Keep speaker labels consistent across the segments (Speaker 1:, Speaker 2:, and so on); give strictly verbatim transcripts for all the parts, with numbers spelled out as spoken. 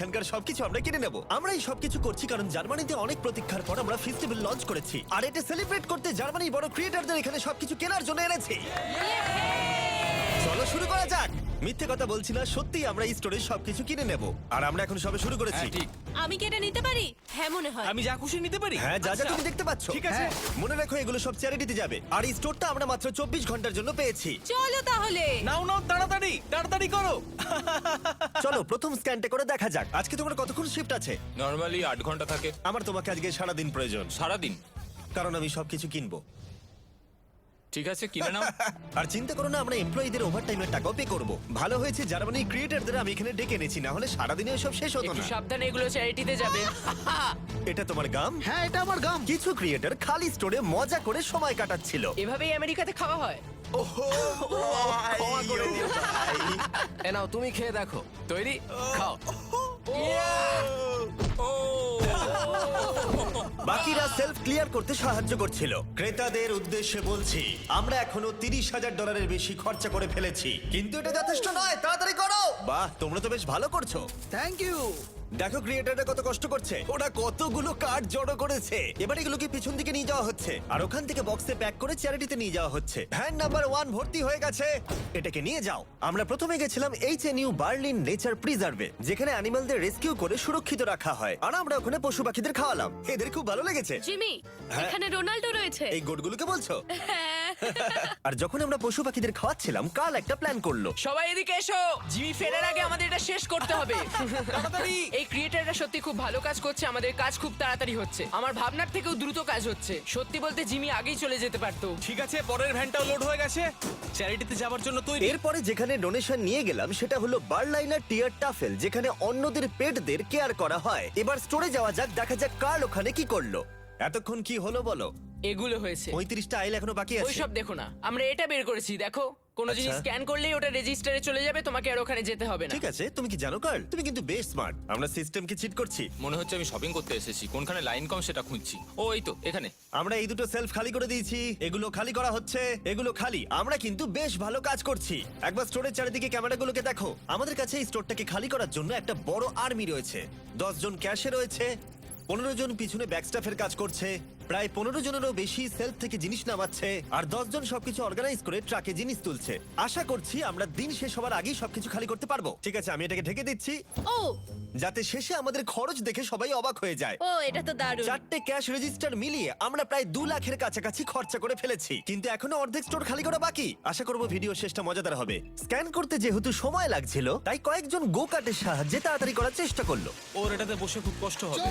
Speaker 1: এখানকার সবকিছু আমরা কিনে নেব। আমরা এই সবকিছু করছি কারণ জার্মানিতে অনেক প্রতীক্ষার পর আমরা ফেস্টিভ্যাল লঞ্চ করেছি, আর এটা সেলিব্রেট করতে জার্মানির বড় ক্রিয়েটরদের এখানে সবকিছু কেনার জন্য এনেছি। চলো শুরু করা যাক। মিথ্যে কথা বলছি না, সত্যি আমরা এই স্টোরে সবকিছু কিনে নেব, আর আমরা এখন সবে শুরু করেছি।
Speaker 2: হ্যাঁ, ঠিক।
Speaker 3: আমি কি এটা নিতে পারি? হ্যাঁ মনে হয়।
Speaker 2: আমি যা খুশি নিতে পারি?
Speaker 1: হ্যাঁ, যা যা
Speaker 2: আচ্ছা।
Speaker 1: তুমি দেখতে পাচ্ছ।
Speaker 2: ঠিক আছে।
Speaker 1: হ্যাঁ, মনে রাখো এগুলো সব চ্যারিটিতে যাবে, আর এই স্টোরটা আমরা মাত্র চব্বিশ ঘন্টার জন্য পেয়েছি।
Speaker 3: চলো তাহলে।
Speaker 2: নাও নাও, তাড়াতাড়ি তাড়াতাড়ি করো।
Speaker 1: চলো প্রথম স্ক্যানটা করে দেখা যাক। আজকে তোমার কতক্ষণ শিফট আছে?
Speaker 4: নরমালি আট ঘন্টা থাকে।
Speaker 1: আমার তোমাকে আজকে সারাদিন প্রয়োজন,
Speaker 4: সারাদিন?
Speaker 1: কারণ আমি সবকিছু কিনবো।
Speaker 4: ঠিক আছে, কিনে নাও।
Speaker 1: আর চিন্তা করো না, আমরা এমপ্লয়ীদের ওভারটাইমের টাকাও পে করব। ভালো হয়েছে জার্মানি ক্রিয়েটরদের আমি এখানে ডেকে এনেছি, না হলে সারাদিনে সব শেষ হতো
Speaker 5: একটু
Speaker 1: না।
Speaker 5: সাবধানে, এগুলো চ্যারিটিতে যাবে।
Speaker 1: এটা তোমার গাম?
Speaker 6: হ্যাঁ, এটা আমার গাম।
Speaker 1: কিছু ক্রিয়েটর খালি স্টোরে মজা করে সময় কাটাচ্ছিল।
Speaker 5: এভাবেই আমেরিকাতে খাওয়া হয়।
Speaker 1: ক্ষমা করে দিও ভাই।
Speaker 2: এ নাও, তুমি খেয়ে দেখো। তৈরি? খাও।
Speaker 1: বাকিরা সেলফ ক্লিয়ার করতে সাহায্য করছিল। ক্রেতাদের উদ্দেশ্যে বলছি, আমরা এখনো তিরিশ হাজার ডলারের বেশি খরচা করে ফেলেছি, কিন্তু এটা যথেষ্ট নয়। তাড়াতাড়ি করো। বাহ, তোমরা তো বেশ ভালো করছো।
Speaker 6: Thank you.
Speaker 1: দেখো ক্রিয়েটাররা কত কষ্ট করছে, ওরা কতগুলো কার্ড জড়ো করেছে। এবার এগুলোকে পিছন দিকে নিয়ে যাওয়া হচ্ছে, আর ওখান থেকে বক্সে প্যাক করে চ্যারিটিতে নিয়ে যাওয়া হচ্ছে। ভ্যান নাম্বার ওয়ান ভর্তি হয়ে গেছে, এটাকে নিয়ে যাও। আমরা প্রথমে গেছিলাম H N U Berlin nature প্রিজার্ভে, যেখানে অ্যানিমালদের রেস্কিউ করে সুরক্ষিত রাখা হয়, আর আমরা ওখানে পশু পাখিদের খাওয়ালাম। এদের খুব ভালো লেগেছে।
Speaker 3: জিমি,
Speaker 1: হ্যাঁ।
Speaker 3: এখানে রোনাল্ডো রয়েছে।
Speaker 1: এই গোটগুলোকে বলছো?
Speaker 3: হ্যাঁ।
Speaker 1: আর যখন আমরা পশু পাখিদের খাওয়াচ্ছিলাম, কাল একটা প্ল্যান করলো।
Speaker 5: সবাই এদিকে এসো, জিমি ফেরার আগে আমাদের এটা শেষ করতে হবে।
Speaker 2: তাড়াতাড়ি।
Speaker 5: এই ক্রিয়েটাররা সত্যি খুব ভালো কাজ করছে, আমাদের কাজ খুব তাড়াতাড়ি হচ্ছে, আমার ভাবনার থেকেও দ্রুত কাজ হচ্ছে। সত্যি বলতে জিমি আগেই চলে যেতে পারতো।
Speaker 2: ঠিক আছে, পরের ভ্যানটাও লোড হয়ে গেছে। চ্যারিটিতে যাওয়ার জন্য তৈরি।
Speaker 1: এরপরে যেখানে ডোনেশন নিয়ে গেলাম সেটা হলো বার্লাইনার টিয়ার টাফেল, যেখানে অন্যদের পেটদের কেয়ার করা হয়। এবার স্টোরে যাওয়া যাক, দেখা যাক কার্ল ওখানে কি করলো। এতক্ষণ কি হলো বলো?
Speaker 5: এগুলো হয়েছে।
Speaker 1: পঁয়ত্রিশটা আইল এখনো বাকি আছে।
Speaker 5: ওইসব দেখো না, আমরা এটা বের করেছি, দেখো। কোনো জিনিস
Speaker 1: আচ্ছা।
Speaker 5: স্ক্যান করলেই ওটা রেজিস্টারে চলে যাবে, তোমাকে আর ওখানে যেতে হবে না।
Speaker 1: ঠিক আছে, তুমি কি জানো কার্ল, তুমি কিন্তু বেশ স্মার্ট। আমরা সিস্টেমকে চিট করছি।
Speaker 4: মনে হচ্ছে আমি শপিং করতে এসেছি, কোনখানে লাইন কম সেটা খুঁজছি। ও এই তো এখানে।
Speaker 1: আমরা এই দুটো সেলফ খালি করে দিয়েছি, এগুলো খালি করা হচ্ছে, এগুলো খালি। আমরা কিন্তু বেশ ভালো কাজ করছি। একবার স্টোরের চারিদিকে ক্যামেরাগুলোকে দেখো। আমাদের কাছে এই স্টোরটাকে খালি করার জন্য একটা বড় আর্মি রয়েছে। দশ জন ক্যাশে রয়েছে, পনেরো জন পিছনে ব্যাকস্টাফের কাজ করছে, প্রায় পনেরো জনেরও বেশি সেলফ থেকে জিনিস নামাচ্ছে, আর দশ জন সবকিছু অর্গানাইজ করে ট্রাকে জিনিস তুলছে। আশা করছি আমরা দিন শেষ হওয়ার আগেই সবকিছু খালি করতে পারবো। ঠিক আছে, আমি এটাকে ঢেকে দিচ্ছি,
Speaker 3: ও
Speaker 1: যাতে শেষে আমাদের খরচ দেখে সবাই অবাক হয়ে যায়।
Speaker 3: ও এটা তো দারুণ।
Speaker 1: চারটে ক্যাশ রেজিস্টার মিলিয়ে আমরা প্রায় দু লাখের কাছাকাছি খরচা করে ফেলেছি, কিন্তু এখনো অর্ধেক স্টোর খালি করা বাকি। আশা করবো ভিডিও শেষটা মজাদার হবে। স্ক্যান করতে যেহেতু সময় লাগছিল, তাই কয়েকজন গো কার্টের সাহায্যে তাড়াতাড়ি করার চেষ্টা করলো।
Speaker 2: ওর এটাতে বসে খুব কষ্ট হবে।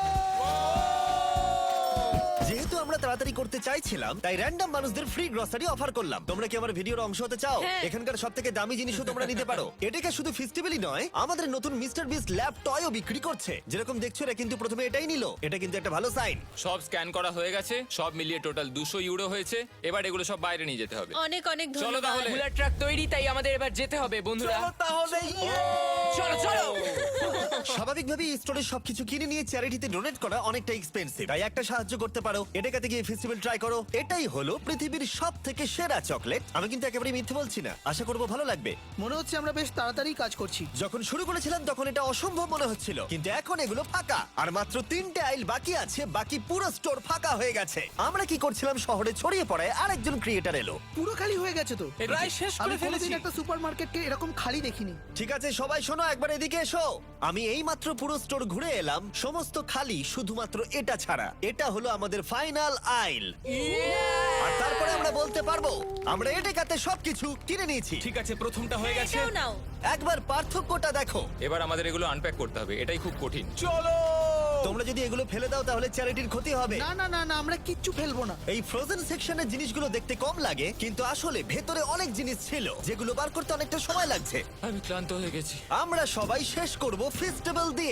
Speaker 1: যেহেতু আমরা তাড়াতাড়ি করতে চাইছিলাম, তাই র্যান্ডম মানুষদের ফ্রি গ্রসারি অফার করলাম। তোমরা কি আমার ভিডিওর অংশ হতে চাও?
Speaker 3: হ্যাঁ।
Speaker 1: এখানকার সব থেকে দামি জিনিসও তোমরা নিতে পারো। এটাকে শুধু ফেস্টিভ্যালই নয়, আমাদের নতুন মিস্টার বিস্ট ল্যাব টয়ও বিক্রি করছে। যেরকম দেখছো, এরা কিন্তু প্রথমে এটাই নিল। এটা কিন্তু একটা ভালো সাইন।
Speaker 4: সব স্ক্যান করা হয়ে গেছে, সব মিলিয়ে টোটাল দুশো ইউরো হয়েছে। এবার এগুলো সব বাইরে নিয়ে যেতে হবে।
Speaker 3: অনেক অনেক
Speaker 4: চলো
Speaker 3: ধন্যবাদ।
Speaker 4: তাহলে।
Speaker 5: বুলার ট্রাক তৈরি, তাই আমাদের এবার যেতে হবে বন্ধুরা।
Speaker 2: চলো তাহলে।
Speaker 5: চলো চলো।
Speaker 1: স্বাভাবিকভাবেই স্টোরে সবকিছু কিনে নিয়ে চ্যারিটিতে ডোনেট করা অনেকটা এক্সপেন্সিভ, তাই একটা সাহায্য করতে পারো। এটাকাতে গিয়ে ফেস্টিভ্যাল ট্রাই করো। এটাই হলো পৃথিবীর সব থেকে সেরা চকলেট। আমি কিন্তু একেবারে মিথ্যে বলছি না, আশা করবো ভালো লাগবে।
Speaker 6: মনে হচ্ছে আমরা বেশ তাড়াতাড়ি কাজ করছি।
Speaker 1: যখন শুরু করেছিলাম তখন এটা অসম্ভব মনে হচ্ছিল, কিন্তু এখন এগুলো ফাঁকা, আর মাত্র তিনটে আইল বাকি আছে। বাকি পুরো স্টোর ফাঁকা হয়ে গেছে। আমরা কি করছিলাম, শহরে ছড়িয়ে পড়ায় আরেকজন ক্রিয়েটার এলো।
Speaker 6: পুরো খালি হয়ে গেছে তো।
Speaker 2: প্রায় শেষ
Speaker 6: আমি
Speaker 2: করে ফেলেছি।
Speaker 6: কোনোদিন একটা সুপার মার্কেটকে এরকম খালি দেখিনি।
Speaker 1: ঠিক আছে সবাই শোনো, একবার এদিকে এসো। আমি এই মাত্র পুরো স্টোর ঘুরে এলাম, সমস্ত খালি, শুধুমাত্র এটা ছাড়া। এটা হলো আমাদের ফাইনাল আইল, আর তারপরে আমরা বলতে পারবো আমরা এটাকাতে সবকিছু কিনে নিয়েছি।
Speaker 2: ঠিক আছে, প্রথমটা হয়ে গেছে।
Speaker 3: এটাও নাও।
Speaker 1: একবার পার্থক্যটা দেখো।
Speaker 4: এবার আমাদের এগুলো আনপ্যাক করতে হবে, এটাই খুব কঠিন।
Speaker 2: চলো।
Speaker 1: তোমরা যদি এগুলো ফেলে দাও তাহলে চ্যারিটির ক্ষতি হবে।
Speaker 6: না না না না, আমরা কিচ্ছু ফেলবো না।
Speaker 1: এই ফ্রোজেন সেকশনের জিনিসগুলো দেখতে কম লাগে, কিন্তু আসলে ভেতরে অনেক জিনিস ছিল যেগুলো বার করতে অনেকটা সময় লাগছে।
Speaker 4: আমি ক্লান্ত হয়ে গেছি।
Speaker 1: আমরা সবাই শেষ করব ফেস্টিভ্যাল দিয়ে।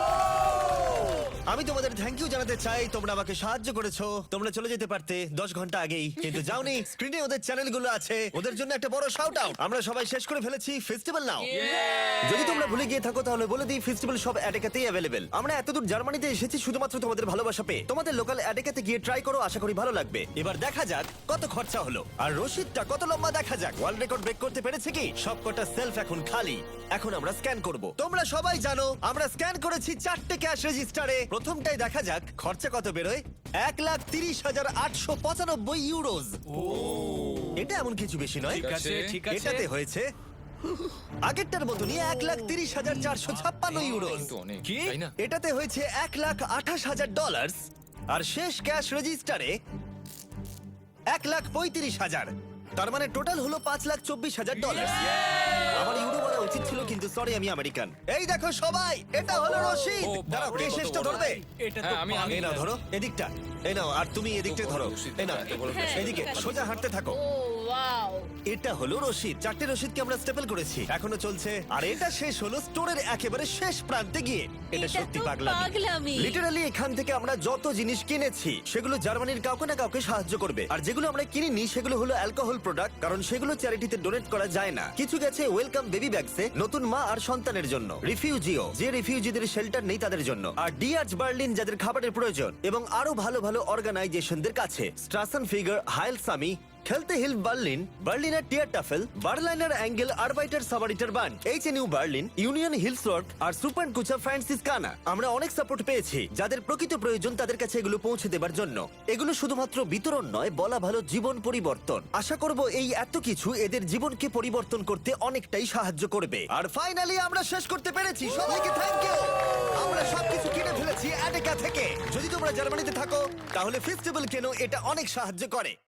Speaker 1: আমি তোমাদের থ্যাংক ইউ জানাতে চাই, তোমরা আমাকে সাহায্য করেছো। তোমরা চলে যেতে পারতে দশ ঘন্টা আগেই, কিন্তু যাওনি। স্ক্রিনে ওদের চ্যানেলগুলো আছে, ওদের জন্য একটা বড় শাউট আউট। আমরা সবাই শেষ করে ফেলেছি ফেস্টিভ্যাল নাও। যদি তোমরা ভুলে গিয়ে থাকো তাহলে বলে দিই, ফেস্টিভ্যাল সব অ্যাডেকাতেই অ্যাভেলেবেল। আমরা এতদূর জার্মানি জার্মানিতে এসেছি শুধুমাত্র তোমাদের ভালোবাসা পেয়ে। তোমাদের লোকাল অ্যাডেকাতে গিয়ে ট্রাই করো, আশা করি ভালো লাগবে। এবার দেখা যাক কত খরচা হলো আর রসিদটা কত লম্বা দেখা যাক। ওয়ার্ল্ড রেকর্ড ব্রেক করতে পেরেছে কি? সবকটা সেলফ এখন খালি। এখন আমরা স্ক্যান করব। তোমরা সবাই জানো আমরা স্ক্যান করেছি চারটে ক্যাশ রেজিস্টারে। প্রথমটাই দেখা যাক খরচা কত বেরোয়। এক লাখ তিরিশ হাজার আটশো পঁচানব্বই ইউরোজ। এটা এমন কিছু বেশি নয়।
Speaker 2: ঠিক আছে ঠিক আছে
Speaker 1: এটাতে হয়েছে আগেরটার মতনই এক লাখ তিরিশ হাজার চারশো ছাপ্পান্ন ইউরোজ।
Speaker 4: কিন্তু অনেক
Speaker 2: কি?
Speaker 4: তাই না?
Speaker 1: এটাতে হয়েছে এক লাখ আঠাশ হাজার ডলার। আর শেষ ক্যাশ রেজিস্টারে এক লাখ পঁয়ত্রিশ হাজার। তার মানে টোটাল হলো পাঁচ লাখ চব্বিশ হাজার ডলার। আমার ইউরো বলা উচিত ছিল, কিন্তু সরি আমি আমেরিকান। এই দেখো সবাই, এটা হলো রশিদ।
Speaker 4: ও,
Speaker 1: দাঁড়াও, কে
Speaker 4: বাপরে,
Speaker 1: শেষটা
Speaker 4: কত বড়।
Speaker 1: ধরবে?
Speaker 2: এটা তো
Speaker 4: হ্যাঁ, আমি আমি
Speaker 1: এই নাও ধরো এদিকটা, এই নাও, আর তুমি এদিকটা ধরো।
Speaker 4: রশিদ,
Speaker 1: এই নাও,
Speaker 4: এত বড়
Speaker 3: হ্যাঁ,
Speaker 1: এদিকে
Speaker 3: ঠিক আছে।
Speaker 1: সোজা হাঁটতে থাকো।
Speaker 3: ও ওয়াও।
Speaker 1: এটা হলো রশিদ। চারটে রশিদকে আমরা স্টেপল করেছি, এখনো চলছে। আর এটা শেষ হলো স্টোরের একেবারে শেষ প্রান্তে গিয়ে। এটা
Speaker 3: এটা
Speaker 1: সত্যি
Speaker 3: তো
Speaker 1: পাগলামি।
Speaker 3: পাগলামি।
Speaker 1: লিটারালি এখান থেকে আমরা যত জিনিস কিনেছি সেগুলো জার্মানির কাউকে না কাউকে সাহায্য করবে। আর যেগুলো আমরা কিনিনি সেগুলো হলো অ্যালকোহল প্রোডাক্ট, কারণ সেগুলো চ্যারিটিতে ডোনেট করা যায় না। কিছু গেছে ওয়েলকাম বেবি ব্যাগসে, নতুন মা আর সন্তানের জন্য। রিফিউজিও, যে রিফিউজিদের শেল্টার নেই তাদের জন্য। আর ডিআরচ বার্লিন, যাদের খাবারের প্রয়োজন। এবং আরো ভালো ভালো অর্গানাইজেশনদের কাছে। স্ট্রাসন ফিগার, হাইল সামি, খেলতে হিল বার্লিন, বার্লিনার টিয়ার টাফেল, বার্লাইনার অ্যাঙ্গেল, আরবাইটার সাবারিটার বান্ড, H N U Berlin, union হিলসওয়ার্ক আর সুপার কুচা ফ্রান্সিসকানা। আমরা অনেক সাপোর্ট পেয়েছি, যাদের প্রকৃত প্রয়োজন তাদের কাছে এগুলো পৌঁছে দেবার জন্য। এগুলো শুধুমাত্র বিতরণ নয়, বলা ভালো জীবন পরিবর্তন। আশা করব এই এত কিছু এদের জীবনকে পরিবর্তন করতে অনেকটাই সাহায্য করবে। আর ফাইনালি আমরা শেষ করতে পেরেছি। সবাইকে থ্যাংক ইউ। আমরা সবকিছু কিনে ফেলেছি অ্যাডেকা থেকে। যদি তোমরা জার্মানিতে থাকো তাহলে ফেস্টিভ্যাল কেনো, এটা অনেক সাহায্য করে।